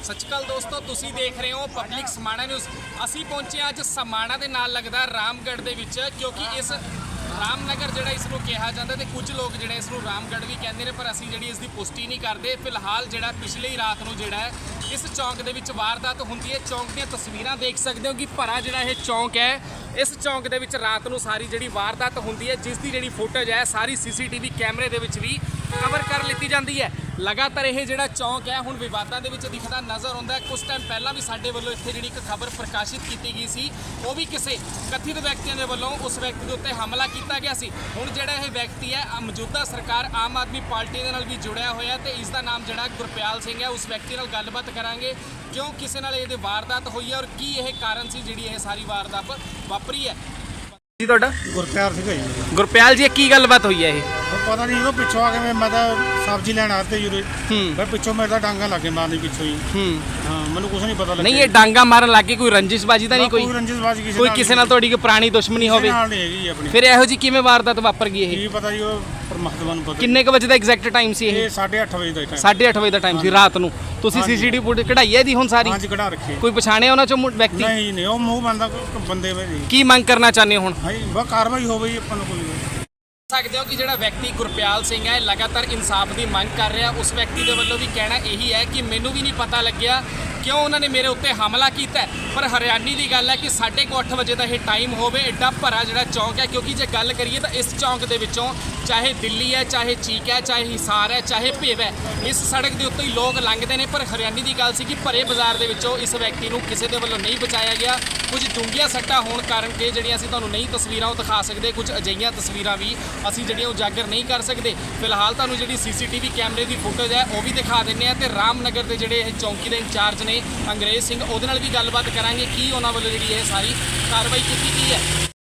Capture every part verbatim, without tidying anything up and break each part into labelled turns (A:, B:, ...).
A: सच श्री अकाल दोस्तों, तुसी देख रहे हो पब्लिक समाणा न्यूज़। असी पहुंचे अज समाणा दे नाल लगदा रामगढ़ दे विच, क्योंकि इस रामनगर जिहड़ा इसनूं कहा जाता है, कुछ लोग जिहड़े इसनूं रामगढ़ भी कहते हैं, पर असी जिहड़ी इसकी पुष्टि नहीं करते। फिलहाल जिहड़ा पिछले ही रात नूं जिहड़ा है इस चौंक दे विच वारदात हुंदी है। चौंक दी तस्वीरां देख सकते हो कि भरा जिहड़ा यह चौंक है, इस चौंक दे विच रात नूं सारी जिहड़ी वारदात हुंदी है, जिसकी जिहड़ी फुटेज है सारी सी सी टी वी कैमरे दे विच भी कवर कर लीती जाती है। लगातार यह जिहड़ा चौंक है हुण विवादां दे विच दिखदा नज़र आउंदा है। कुछ टाइम पहला भी साडे वल्लों इत्थे जिहड़ी एक खबर प्रकाशित की गई सी, वो भी किसी कथित व्यक्तियों के वल्लों उस व्यक्ति के उत्ते हमला किया गया सी। हुण जिहड़ा यह व्यक्ति है मौजूदा सरकार आम आदमी पार्टी दे नाल भी जुड़िया होया है, तो इसका नाम जिहड़ा गुरप्याल सिंह है। उस व्यक्ति नाल गलबात करांगे क्यों किसी नाल इहदी वारदात हुई है और की यह कारण सी जिहड़ी यह सारी वारदात वापरी है। जी तुहाडा
B: गुरप्याल सिंह जी।
A: गुरप्याल जी की गलबात हुई है? ये
B: पता नहीं जो पिछों आके मैं मैं सब्जी लैन आते यूरे मैं पिछों मेरे डांगा लगे मारनी पिछों ही। हाँ मैंने कुछ नहीं पता लगा।
A: नहीं ये डांगा मारन लगे कोई रंजिशबाजी तो नहीं? कोई
B: रंजिशबाजी किसी
A: कोई किसी नाल थोड़ी कोई पुरानी दुश्मनी होवे? फिर ਇਹੋ ਜੀ ਕਿਵੇਂ ਵਾਰਦਾਤ ਵਾਪਰ ਗਈ? ਇਹ
B: ਕੀ ਪਤਾ ਜੀ, ਉਹ ਪਰਮਾਤਮਾ ਨੂੰ ਪਤਾ।
A: ਕਿੰਨੇ ਕ ਵਜੇ ਦਾ ਐਗਜ਼ੈਕਟ ਟਾਈਮ ਸੀ? ਇਹ
B: ਸਾਢੇ ਅੱਠ ਵਜੇ ਦਾ ਟਾਈਮ।
A: ਸਾਢੇ ਅੱਠ ਵਜੇ ਦਾ ਟਾਈਮ ਸੀ ਰਾਤ ਨੂੰ। ਤੁਸੀਂ ਸੀ ਸੀ ਟੀ ਵੀ ਕਢਾਈ ਹੈ ਦੀ ਹੁਣ ਸਾਰੀ?
B: ਹਾਂਜੀ ਕਢਾ ਰੱਖੀ।
A: ਕੋਈ ਪਛਾਣਿਆ ਉਹਨਾਂ ਚੋਂ ਵਿਅਕਤੀ?
B: ਨਹੀਂ ਨਹੀਂ ਉਹ ਮੂੰਹ ਬੰਦਾ ਬੰਦੇ ਵੇ ਜੀ।
A: ਕੀ ਮੰਗ ਕਰਨਾ ਚਾਹੁੰਦੇ ਹੋ ਹੁਣ?
B: ਹਾਂਜੀ ਬਸ ਕਾਰਵਾਈ ਹੋਵੇ ਜੀ, ਆਪਾਂ ਨੂੰ ਕੋਈ
A: ਸਕਦੇ ਹੋ ਕਿ ਜਿਹੜਾ ਵਿਅਕਤੀ ਗੁਰਪਿਆਲ ਸਿੰਘ ਹੈ ਲਗਾਤਾਰ ਇਨਸਾਫ ਦੀ ਮੰਗ ਕਰ ਰਿਹਾ। ਉਸ ਵਿਅਕਤੀ ਦੇ ਵੱਲੋਂ ਵੀ ਕਹਿਣਾ ਇਹੀ ਹੈ ਕਿ ਮੈਨੂੰ ਵੀ ਨਹੀਂ ਪਤਾ ਲੱਗਿਆ ਕਿਉਂ ਉਹਨਾਂ ਨੇ ਮੇਰੇ ਉੱਤੇ ਹਮਲਾ ਕੀਤਾ, ਪਰ ਹਰਿਆਣੀ ਦੀ ਗੱਲ ਹੈ ਕਿ ਸਾਢੇ ਕੁ ਅੱਠ ਵਜੇ ਦਾ ਇਹ ਟਾਈਮ ਹੋਵੇ। ਐਡਾ ਭਰਾ ਜਿਹੜਾ ਚੌਂਕ ਹੈ, ਕਿਉਂਕਿ ਜੇ ਗੱਲ ਕਰੀਏ ਤਾਂ ਇਸ ਚੌਂਕ ਦੇ ਵਿੱਚੋਂ ਚਾਹੇ ਦਿੱਲੀ ਹੈ, ਚਾਹੇ ਚੀਕ ਹੈ, ਚਾਹੇ ਹਿਸਾਰ ਹੈ, ਚਾਹੇ ਭੇਵ ਹੈ, ਇਸ ਸੜਕ ਦੇ ਉੱਤੇ ਹੀ ਲੋਕ ਲੰਘਦੇ ਨੇ। ਪਰ ਹਰਿਆਣੀ ਦੀ ਗੱਲ ਸੀ ਕਿ ਭਰੇ ਬਾਜ਼ਾਰ ਦੇ ਵਿੱਚੋਂ ਇਸ ਵਿਅਕਤੀ ਨੂੰ ਕਿਸੇ ਦੇ ਵੱਲੋਂ ਨਹੀਂ ਬਚਾਇਆ ਗਿਆ। ਕੁਝ ਡੂੰਘੀਆਂ ਸੱਟਾਂ ਹੋਣ ਕਾਰਨ ਕਿ ਜਿਹੜੀਆਂ ਅਸੀਂ ਤੁਹਾਨੂੰ ਨਹੀਂ ਤਸਵੀਰਾਂ ਉਹ ਦਿਖਾ ਸਕਦੇ, ਕੁਝ ਅਜਿਹੀਆਂ ਤਸਵੀਰਾਂ ਵੀ ਅਸੀਂ ਜਿਹੜੀਆਂ ਉਜਾਗਰ ਨਹੀਂ ਕਰ ਸਕਦੇ। ਫਿਲਹਾਲ ਤੁਹਾਨੂੰ ਜਿਹੜੀ ਸੀ ਸੀ ਟੀ ਵੀ ਕੈਮਰੇ ਦੀ ਫੁਟੇਜ ਹੈ ਉਹ ਵੀ ਦਿਖਾ ਦਿੰਦੇ ਆ, ਤੇ ਰਾਮਨਗਰ ਦੇ ਜਿਹੜੇ ਇਹ ਚੌਂਕੀ ਦੇ ਇੰਚਾਰਜ ਨੇ ਅੰਗਰੇਜ਼ ਸਿੰਘ, ਉਹਦੇ ਨਾਲ ਵੀ ਗੱਲਬਾਤ ਕਰਾਂਗੇ ਕੀ ਉਹਨਾਂ ਵੱਲੋਂ ਜਿਹੜੀ ਇਹ ਸਾਰੀ ਕਾਰਵਾਈ ਕੀਤੀ ਗਈ ਹੈ।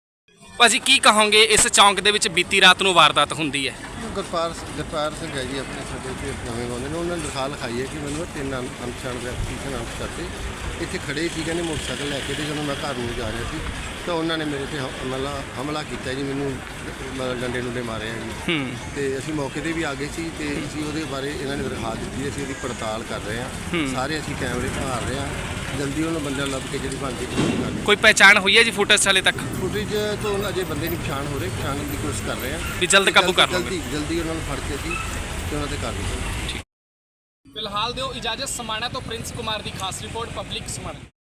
A: ਭਾਜੀ ਕੀ ਕਹੋਗੇ, ਇਸ ਚੌਂਕ ਦੇ ਵਿੱਚ ਬੀਤੀ ਰਾਤ ਨੂੰ ਵਾਰਦਾਤ ਹੁੰਦੀ ਹੈ?
C: ਗੁਰਪਾਲ ਗੁਰਪਾਲ ਸਿੰਘ ਹੈ ਜੀ, ਆਪਣੇ ਸਾਡੇ ਤੇ ਨਵੇਂ ਗਾਉਂਦੇ ਨੇ। ਉਹਨਾਂ ਨੇ ਦਿਖਾ ਲਿਖਾਈ ਹੈ ਕਿ ਮੈਨੂੰ ਤਿੰਨ ਅਨਪਛਾਣ ਵਿਅਕਤੀ ਸ਼ਨਾਖਤ ਕਰਦੇ ਇੱਥੇ ਖੜੇ ਸੀ, ਕਹਿੰਦੇ ਮੋਟਰਸਾਈਕਲ ਲੈ ਕੇ, ਤੇ ਜਦੋਂ ਮੈਂ ਘਰ ਨੂੰ ਜਾ ਰਿਹਾ ਸੀ ਤਾਂ ਉਹਨਾਂ ਨੇ ਮੇਰੇ ਤੇ ਹਮਲਾ ਹਮਲਾ ਕੀਤਾ ਜੀ। ਮੈਨੂੰ ਮਤਲਬ ਡੰਡੇ ਡੁੰਡੇ ਮਾਰੇ ਆ ਜੀ। ਤੇ ਅਸੀਂ ਮੌਕੇ 'ਤੇ ਵੀ ਆ ਗਏ ਸੀ, ਤੇ ਅਸੀਂ ਉਹਦੇ ਬਾਰੇ ਇਹਨਾਂ ਨੇ ਦਰਖਾਸਤ ਦਿੱਤੀ। ਅਸੀਂ ਉਹਦੀ ਪੜਤਾਲ ਕਰ ਰਹੇ ਹਾਂ, ਸਾਰੇ ਅਸੀਂ ਕੈਮਰੇ ਭਾਲ ਰਹੇ ਹਾਂ, ਜਲਦੀ ਉਹਨਾਂ ਬੰਦਿਆਂ ਲੱਭ ਕੇ ਜਿਹੜੀ ਬਣਦੀ ਕਰ।
A: ਕੋਈ ਪਹਿਚਾਣ ਹੋਈ ਹੈ ਜੀ ਫੁਟੇਜ ਹਾਲੇ ਤੱਕ?
C: ਫੁਟੇਜ ਤੋਂ ਅਜੇ ਬੰਦੇ ਦੀ ਪਛਾਣ ਹੋ ਰਹੀ, ਪਛਾਣਨ ਦੀ ਕੋਸ਼ਿਸ਼ ਕਰ ਰਹੇ ਹਾਂ
A: ਵੀ ਜਲਦ ਕਾਬੂ ਕਰ ਲਵਾਂਗੇ।
C: ਜਲਦੀ ਜਲਦੀ ਉਹਨਾਂ ਨੂੰ ਫੜ ਕੇ ਅਸੀਂ ਤੇ ਉਹਨਾਂ ਤੇ ਕਾਰਵਾਈ ਕਰਾਂਗੇ।
A: ਫਿਲਹਾਲ ਦਿਓ ਇਜਾਜ਼ਤ। ਸਮਾਣਾ ਤੋਂ ਪ੍ਰਿੰਸ ਕੁਮਾਰ ਦੀ ਖਾਸ ਰਿਪੋਰਟ, ਪਬਲਿਕ ਸਮਾਣਾ।